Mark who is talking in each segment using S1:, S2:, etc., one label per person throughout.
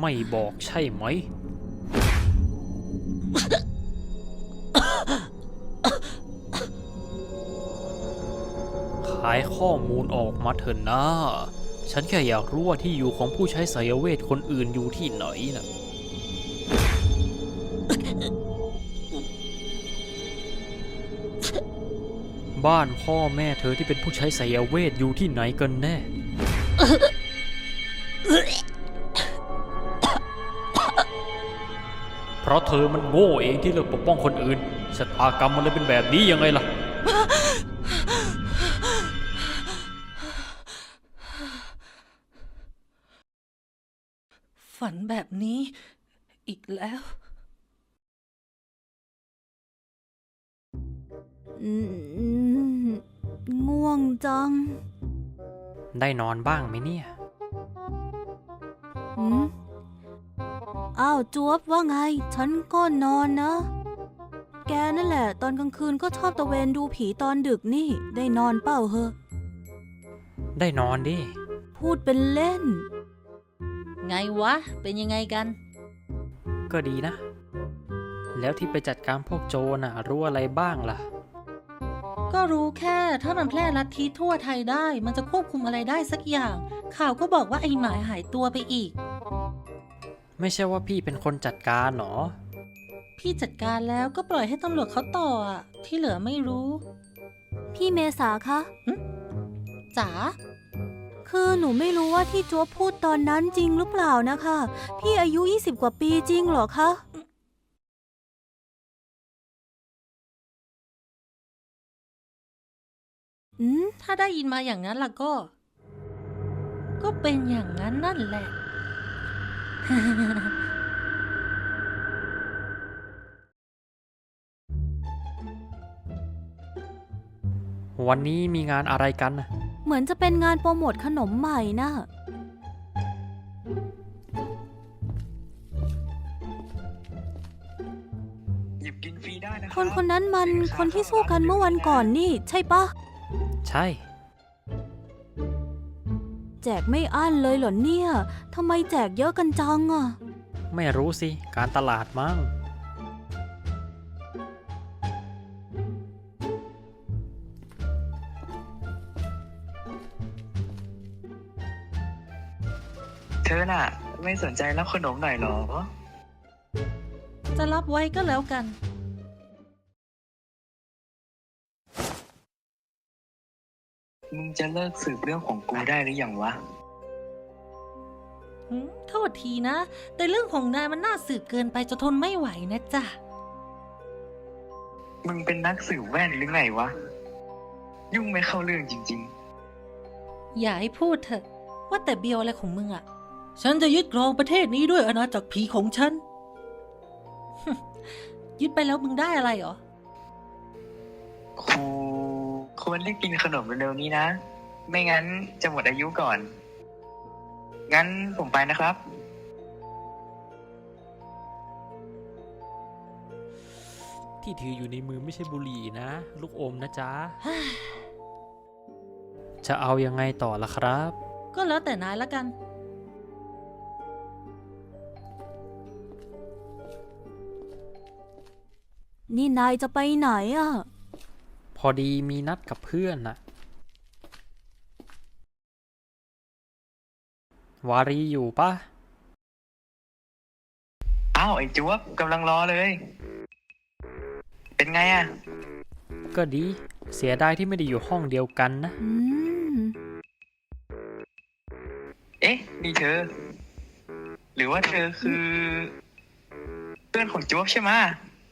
S1: ไม่บอกใช่ไหม ขายข้อมูลออกมาเถอะนะฉันแค่อยากรู้ว่าที่อยู่ของผู้ใช้ไสยเวทคนอื่นอยู่ที่ไหนนะบ้านพ่อแม่เธอที่เป็นผู้ใช้ไสยเวทอยู่ที่ไหนกันแน่ เพราะเธอมันโง่เองที่เลือกปกป้องคนอื่นชะตากรรมมันเลยเป็นแบบนี้ยังไงล่ะ
S2: ฝันแบบนี้อีกแล้ว
S3: ง่วงจัง
S1: ได้นอนบ้างไหมเนี่ย
S3: หืมอ้าวจวบว่าไง ฉันก็นอนนะ แกนั่นแหละ ตอนกลางคืนก็ชอบตะเวนดูผีตอนดึกนี่ ได้นอนเปล่าเหอะ
S1: ได้นอนดิ
S3: พูดเป็นเล่น
S2: ไงวะ เป็นยังไงกัน
S1: ก็ดีนะ แล้วที่ไปจัดการพวกโจรน่ะรู้อะไรบ้างล่ะ
S2: ก็รู้แค่ถ้ามันแพร่ลัทธิทั่วไทยได้ มันจะควบคุมอะไรได้สักอย่าง ข่าวก็บอกว่าไอ้หมายหายตัวไปอีก
S1: ไม่ใช่ว่าพี่เป็นคนจัดการหรอ
S2: พี่จัดการแล้วก็ปล่อยให้ตำรวจเขาต่ออ่ะ ที่เหลือไม่รู้
S3: พี่เมษาคะ
S2: จ๋า
S3: คือหนูไม่รู้ว่าที่จวบพูดตอนนั้นจริงหรือเปล่านะคะ พี่อายุ 20 กว่าปีจริงเหรอคะ
S2: ถ้าได้ยินมาอย่างนั้นล่ะก็ ก็เป็นอย่างนั้นนั่นแหละ
S1: วันนี้มีงานอะไรกันน่ะ
S3: เหมือนจะเป็นงานโปรโมทขนมใหม่นะ
S4: หยิบกินฟรีได้นะค
S3: ครับ นคนนั้นมันคนที่สู้กันเมื่อวันก่อนนี่ ใช่ปะ
S1: ใช่
S3: แจกไม่อั้นเลยเหรอเนี่ย ทำไมแจกเยอะกันจังอะ
S1: ไม่รู้สิ การตลาดมั้ง
S4: เธอน่ะ ไม่สนใจรับขนมหน่อยเหรอ
S2: จะรับไว้ก็แล้วกัน
S4: มึงจะเลิกสืบเรื่องของกูได้หรือยังวะ
S2: โทษทีนะ แต่เรื่องของนายมันน่าสืบเกินไปจนทนไม่ไหวนะจ๊ะ
S4: มึงเป็นนักสืบแว่นหรือไงวะ ยุ่งไม่เข้าเรื่องจริง
S2: อย่าให้พูดเถอะ ว่าแต่เบียวอะไรของมึงอะฉันจะยึดครองประเทศนี้ด้วยอาณาจักรผีของฉัน ยึดไปแล้วมึงได้อะไรเหรอ
S4: ๆ กูควรได้กินขนมเร็วๆนี้นะ ไม่งั้นจะหมดอายุก่อน งั้นผมไปนะครับ
S1: ที่ถืออยู่ในมือไม่ใช่บุหรี่นะ ลูกอมนะจ๊ะ จะเอายังไงต่อล่ะครับ
S2: ก็แล้วแต่นายละกัน
S3: นี่นายจะไปไหนอะ
S1: พอดีมีนัดกับเพื่อนน่ะ วารีอยู่ปะ
S4: อ้าวไอ้จ๊วบกำลังรอเลย เป็นไงอะ
S1: ก็ดี เสียดายที่ไม่ได้อยู่ห้องเดียวกันนะ
S4: เอ๊ะ นี่เธอ หรือว่าเธอคือ เพื่อนของจ๊วบใช่ไหมะ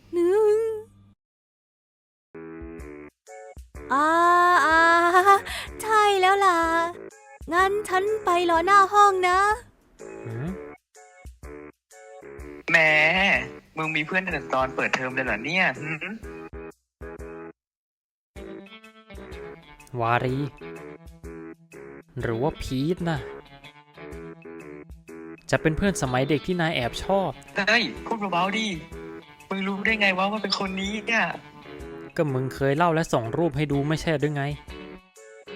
S3: อ่าอ่าใช่แล้วล่ะ งั้นฉันไปรอหน้าห้องนะ
S4: แหม มึงมีเพื่อนตั้งแต่ตอนเปิดเทอมเลยเหรอเนี่ยหืม
S1: วารี หรือว่าพีทนะจะเป็นเพื่อนสมัยเด็กที่นายแอบชอบ
S4: เฮ้ย พูดเบาๆดิ มึงรู้ได้ไงว่าเป็นคนนี้เนี่ย
S1: ก็มึงเคยเล่าและส่งรูปให้ดูไม่ใช่หรือไง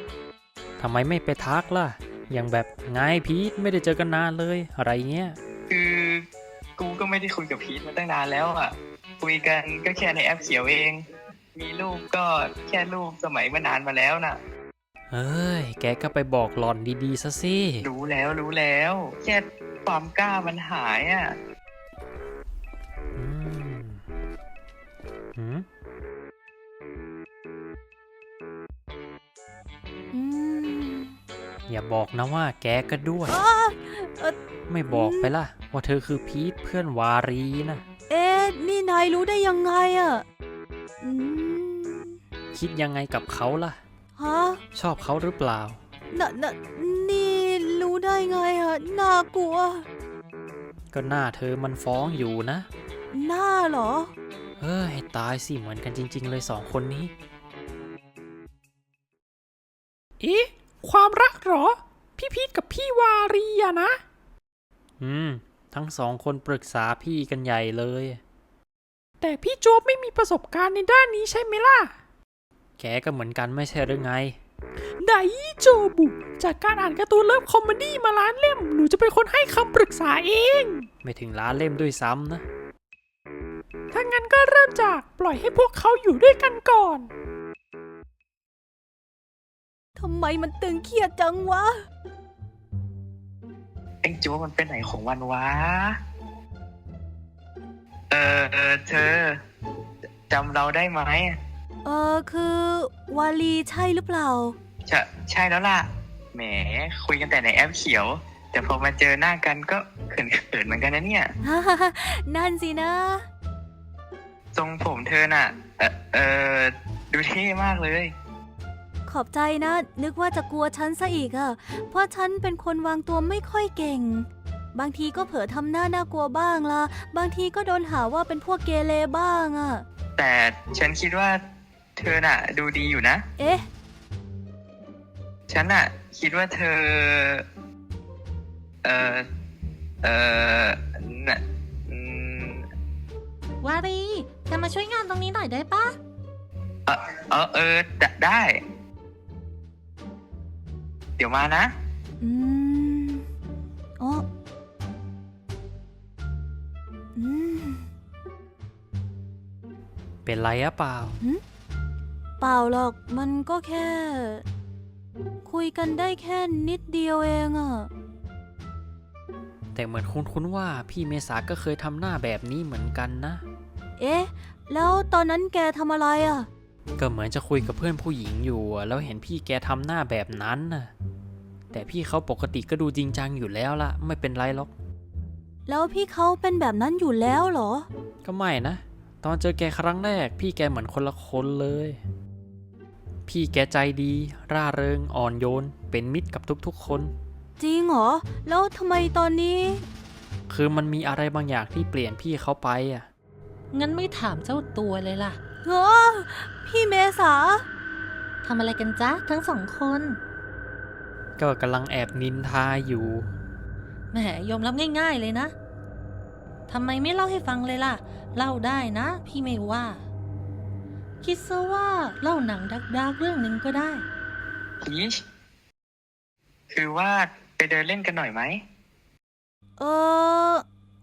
S1: ทำไมไม่ไปทักล่ะ อย่างแบบไงพีทไม่ได้เจอกันนานเลย อะไรเงี้ย
S4: คือคือกูก็ไม่ได้คุยกับพีทมาตั้งนานแล้วอ่ะ คุยกันก็แค่ในแอปเขียวเอง มีรูปก็แค่รูปสมัยเมื่อนานมาแล้วน่ะ
S1: เฮ้ย แกก็ไปบอกหล่อนดีๆซะสิ
S4: รู้แล้วแค่ความกล้ามันหายอ่ะ
S1: อืมหืม
S3: อืม
S1: อย่าบอกนะว่าแกก็ด้วย
S3: อ้าเอ่อ
S1: ไม่บอกไปล่ะ ว่าเธอคือพีทเพื่อนวารีนะ
S3: เอ๊ะนี่นายรู้ได้ยังไงอะอืม
S1: คิดยังไงกับเขาล่ะ
S3: ฮะ
S1: ชอบเขาหรือเปล่า
S3: นี่รู้ได้ไงอะน่ากลัว
S1: ก็หน้าเธอมันฟ้องอยู่นะ
S3: หน้าเหรอ
S1: เฮ้ย ตายสิเหมือนกันจริง ๆ เลยสองคนนี้
S5: เอ๊ะความรักเหรอ พี่พีทกับพี่วารีอะนะ
S1: ทั้งสองคนปรึกษาพี่กันใหญ่เลย
S5: แต่พี่โจ๊บไม่มีประสบการณ์ในด้านนี้ใช่ไหมล่ะ
S1: แกก็เหมือนกันไม่ใช่หรือไง
S5: ไดโจบุ จากการอ่านการ์ตูนเลิฟคอมเมดี้มาล้านเล่ม หนูจะเป็นคนให้คำปรึกษาเอง
S1: ไม่ถึงล้านเล่มด้วยซ้ำนะ
S5: ถ้างั้นก็เริ่มจากปล่อยให้พวกเขาอยู่ด้วยกันก่อน
S3: ทำไมมันตึงเครียดจังวะ
S4: เอ็งจูมันเป็นไหนของวันวะ เธอจำเราได้ไหม
S3: คือวาลีใช่หรือเปล่า
S4: ใช่แล้วล่ะ แหมคุยกันแต่ในแอปเขียว แต่พอมาเจอหน้ากันก็เขินเหมือนกันนะเนี่ย
S3: นั่นสินะ
S4: ทรงผมเธอน่ะ ดูเท่มากเลย
S3: ขอบใจนะ นึกว่าจะกลัวฉันซะอีกอะเพราะฉันเป็นคนวางตัวไม่ค่อยเก่ง บางทีก็เผลอทำหน้าน่ากลัวบ้างละบางทีก็โดนหาว่าเป็นพวกเกเรบ้างอะ
S4: แต่ฉันคิดว่าเธอน่ะ ดูดีอยู่นะ
S3: เอ๊ะ
S4: ฉันน่ะ คิดว่าเธอ น่ะ
S2: วารีแกมาช่วยงานตรงนี้หน่อยได้ปะ
S4: ได้ เดี๋ยวมานะ
S3: อืมอ๋ออืม
S1: เป็นไรอะเปล่า
S3: เปล่าหรอก มันก็แค่ คุยกันได้แค่นิดเดียวเองอะ
S1: แต่เหมือนคุ้นๆว่าพี่เมษาก็เคยทำหน้าแบบนี้เหมือนกันนะ
S3: เอ๊ะ แล้วตอนนั้นแกทำอะไรอะ
S1: ก็เหมือนจะคุยกับเพื่อนผู้หญิงอยู่อะแล้วเห็นพี่แกทำหน้าแบบนั้นน่ะ แต่พี่เขาปกติก็ดูจริงจังอยู่แล้วละไม่เป็นไรหรอก
S3: แล้วพี่เขาเป็นแบบนั้นอยู่แล้วเหรอ
S1: ก็ไม่นะ ตอนเจอแกครั้งแรก พี่แกเหมือนคนละคนเลย พี่แกใจดี ร่าเริงอ่อนโยน เป็นมิตรกับทุกๆคน
S3: จริงเหรอ แล้วทำไมตอนนี้
S1: คือมันมีอะไรบางอย่างที่เปลี่ยนพี่เขาไปอ่ะ
S2: งั้นไม่ถามเจ้าตัวเลยล่ะ
S3: เออพี่เมษา
S2: ทำอะไรกันจ๊ะทั้งสองคน
S1: ก็กำลังแอบนินทาอยู่
S2: แหมยอมรับง่าย ๆเลยนะทำไมไม่เล่าให้ฟังเลยล่ะ เล่าได้นะ พี่ไม่ว่า คิดซะว่าเล่าหนังดักๆเรื่องหนึ่งก็ได้
S4: พีชคือว่าไปเดินเล่นกันหน่อยไหม
S3: เออ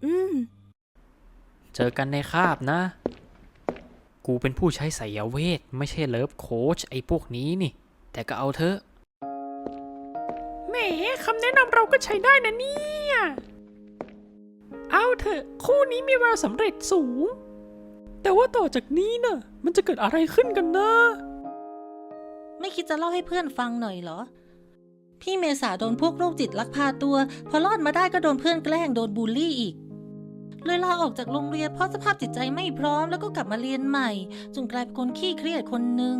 S1: เจอกันในคาบนะ กูเป็นผู้ใช้ไสยเวท ไม่ใช่เลิฟโค้ชไอ้พวกนี้นี่ แต่ก็เอาเถอะ
S5: แหมคำแนะนำเราก็ใช้ได้นะเนี่ย เอาเถอะคู่นี้มีแววสำเร็จสูง แต่ว่าต่อจากนี้น่ะ มันจะเกิดอะไรขึ้นกันนะ
S2: ไม่คิดจะเล่าให้เพื่อนฟังหน่อยเหรอ พี่เมษาโดนพวกโรคจิตลักพาตัว พอรอดมาได้ก็โดนเพื่อนแกล้งโดนบูลลี่อีก เลยลาออกจากโรงเรียนเพราะสภาพจิตใจไม่พร้อมแล้วก็กลับมาเรียนใหม่จนกลายเป็นคนขี้เครียดคนหนึ่ง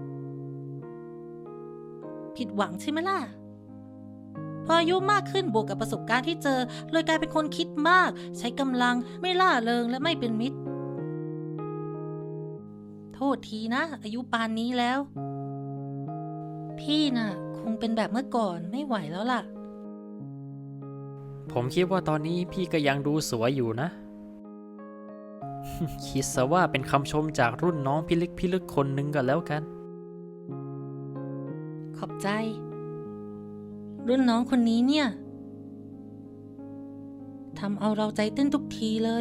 S2: ผิดหวังใช่ไหมล่ะ พออายุมากขึ้นบวกกับประสบการณ์ที่เจอเลยกลายเป็นคนคิดมาก ใช้กำลังไม่ล่าเริงและไม่เป็นมิตร โทษทีนะ อายุปานนี้แล้ว พี่น่ะ คงเป็นแบบเมื่อก่อนไม่ไหวแล้วล่ะ
S1: ผมคิดว่าตอนนี้พี่ก็ยังดูสวยอยู่นะ คิดซะว่าเป็นคำชมจากรุ่นน้องพิลึกคนหนึ่งก็แล้วกัน
S2: ขอบใจ รุ่นน้องคนนี้เนี่ยทำเอาเราใจเต้นทุกทีเลย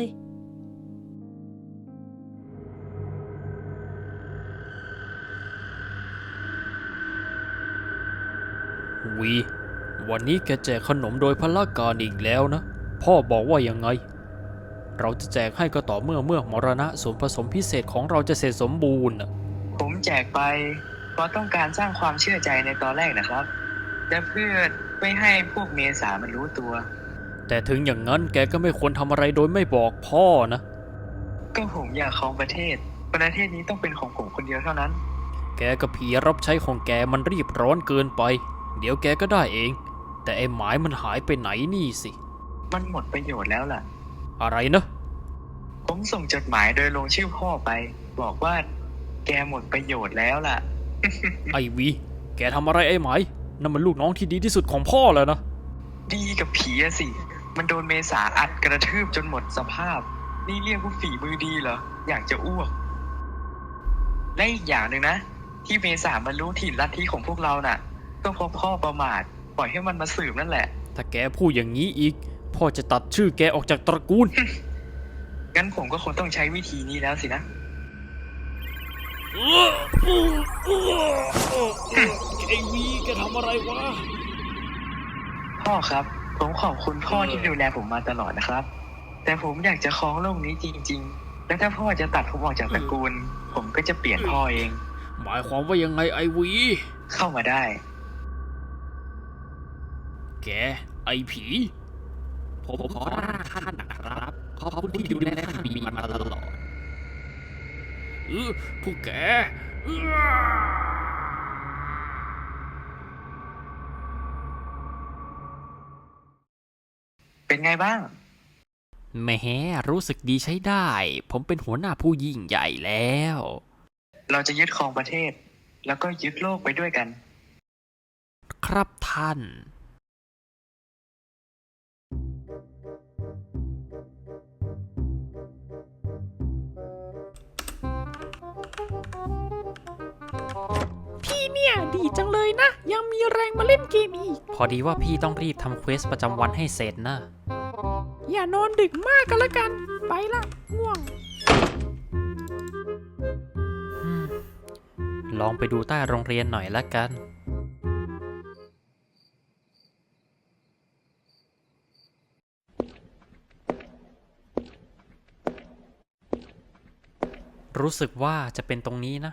S1: วีวันนี้แกแจกขนมโดยพละการอีกแล้วนะ พ่อบอกว่ายังไง เราจะแจกให้ก็ต่อเมื่อมรณะส่วนผสมพิเศษของเราจะเสร็จสมบูรณ์น่ะ
S4: ผมแจกไปเพราะต้องการสร้างความเชื่อใจในตอนแรกนะครับแต่เพื่อไม่ให้พวกเมษามันรู้ตัว
S1: แต่ถึงอย่างนั้นแกก็ไม่ควรทำอะไรโดยไม่บอกพ่อนะ
S4: ก็ผมอยากครองประเทศนี้ต้องเป็นของผมคนเดียวเท่านั้น
S1: แกกับผีรับใช้ของแกมันรีบร้อนเกินไป เดี๋ยวแกก็ได้เอง แต่ไอ้หมายมันหายไปไหนนี่สิ
S4: มันหมดประโยชน์แล้วล่ะ
S1: อะไรนะ
S4: ผมส่งจดหมายโดยลงชื่อพ่อไป บอกว่าแกหมดประโยชน์แล้วล่ะ
S1: ไอวี แกทำอะไรไอ้หมายนั่นมันลูกน้องที่ดีที่สุดของพ่อแล้วนะ
S4: ดีกับผีอะสิ มันโดนเมษาอัดกระทืบจนหมดสภาพ นี่เรียกว่าฝีมือดีเหรอ อยากจะอ้วก และอีกอย่างหนึ่งนะ ที่เมษามันรู้ถิ่นลัทธิของพวกเราน่ะ ก็เพราะพ่อประมาท ปล่อยให้มันมาสืบนั่นแหละ
S1: ถ้าแกพูดอย่างนี้อีก พ่อจะตัดชื่อแกออกจากตระกูล
S4: งั้นผมก็คงต้องใช้วิธีนี้แล้วสินะ
S1: ไอวีแกทำอะไรวะ
S4: พ่อครับ ผมขอบคุณพ่อที่ดูแลผมมาตลอดนะครับ แต่ผมอยากจะครองโลกนี้จริงๆ แล้วถ้าพ่อจะตัดผมออกจากตระกูล ผมก็จะเปลี่ยนพ่อเอง
S1: หมายความว่ายังไงไอวี
S4: เข้ามาได้
S1: แก ไอผี ผมขอร่าท่านนะครับ ขอบคุณที่ดูแลท่านมีมาตลอดพวกแก
S4: เป็นไงบ้าง
S1: แหมรู้สึกดีใช้ได้ ผมเป็นหัวหน้าผู้ยิ่งใหญ่แล้ว
S4: เราจะยึดครองประเทศ แล้วก็ยึดโลกไปด้วยกัน
S1: ครับท่าน
S5: พี่เนี่ยดีจังเลยนะ ยังมีแรงมาเล่นเกมอีก
S1: พอดีว่าพี่ต้องรีบทำเควสประจำวันให้เสร็จนะ
S5: อย่านอนดึกมากกันละกัน ไปละง่วง
S1: ลองไปดูใต้โรงเรียนหน่อยละกัน รู้สึกว่าจะเป็นตรงนี้นะ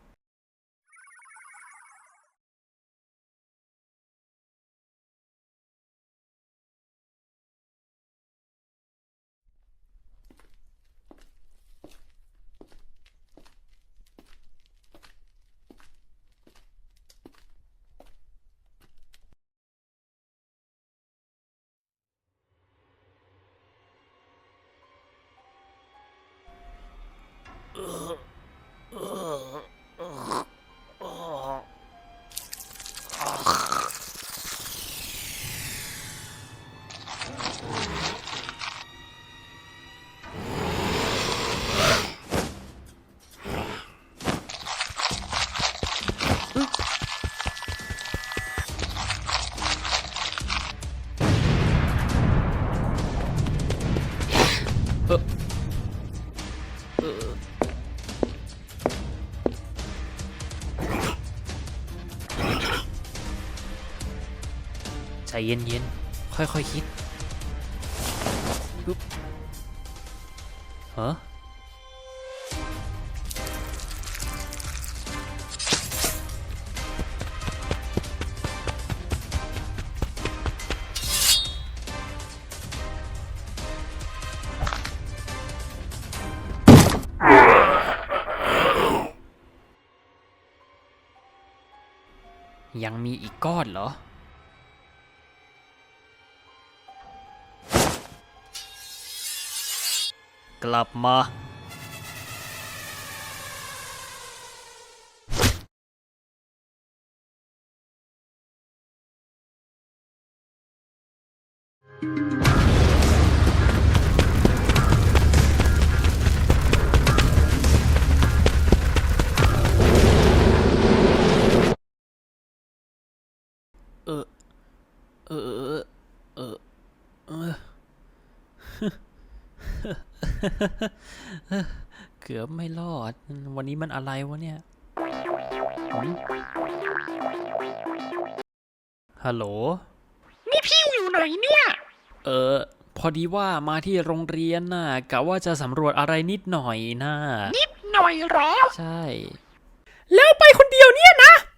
S1: ใจเย็นๆ ค่อยๆคิดปึ๊บฮะ ยังมีอีกก้อนเหรอ กลับมา เออ เออ เออ เออเกือบไม่รอด วันนี้มันอะไรวะเนี่ยหืมฮัลโหล
S5: นี่พี่อยู่ไหนเนี่ย
S1: พอดีว่ามาที่โรงเรียนน่ะกะว่าจะสำรวจอะไรนิดหน่อยนะ
S5: นิดหน่อยเหรอ
S1: ใช่
S5: แล้วไปคนเดียวเนี่ยนะ